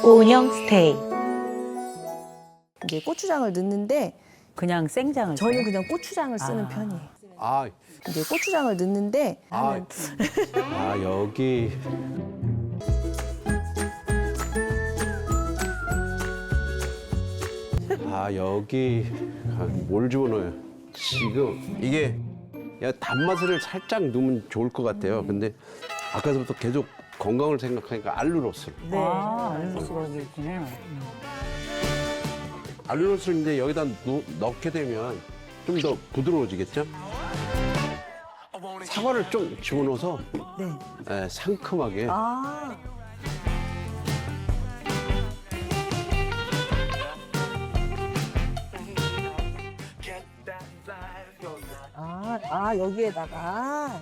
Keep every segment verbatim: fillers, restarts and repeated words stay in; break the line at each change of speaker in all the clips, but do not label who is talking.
고은영 스테이.
이제 고추장을 넣는데
그냥 생장을
저는
줘요?
그냥 고추장을 쓰는
아.
편이에요.
아,
이제 고추장을 넣는데
아, 아 여기 아 여기 아, 뭘 집어넣어요? 지금 이게 야, 단맛을 살짝 넣으면 좋을 것 같아요. 근데 아까부터 계속 건강을 생각하니까 알룰로스.
네. 아, 알루로스가 여기 있군요.
알룰로스를 이제 여기다 넣, 넣게 되면 좀 더 부드러워지겠죠? 사과를 좀 집어넣어서
네.
예, 상큼하게.
아. 아, 아 여기에다가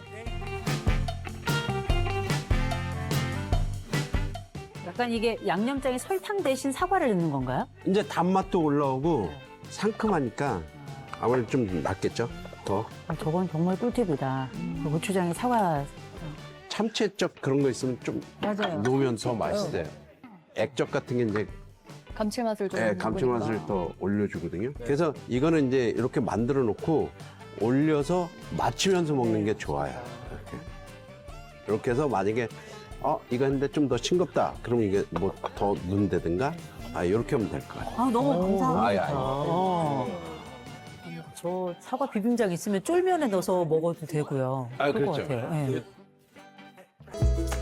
약간 이게 양념장에 설탕 대신 사과를 넣는 건가요?
이제 단맛도 올라오고 상큼하니까 아무래도 좀 낫겠죠? 더
아, 저건 정말 꿀팁이다. 그 고추장에 사과.
참치액젓 그런 거 있으면 좀
맞아요.
넣으면 더 맛있어요. 액젓 같은 게 이제
감칠맛을 좀.
예, 감칠맛을 더 올려주거든요. 그래서 이거는 이제 이렇게 만들어 놓고 올려서 맞추면서 먹는 게 좋아요. 이렇게. 이렇게 해서 만약에 어 이거 했는데 좀 더 싱겁다. 그러면 이게 뭐 더 넣는다든가 아 이렇게 하면 될 것 같아요.
아, 너무 감사합니다.
아이, 아이.
어. 저 사과 비빔장 있으면 쫄면에 넣어서 먹어도 되고요.
아,
그럴 것
그렇죠.
같아요. 예.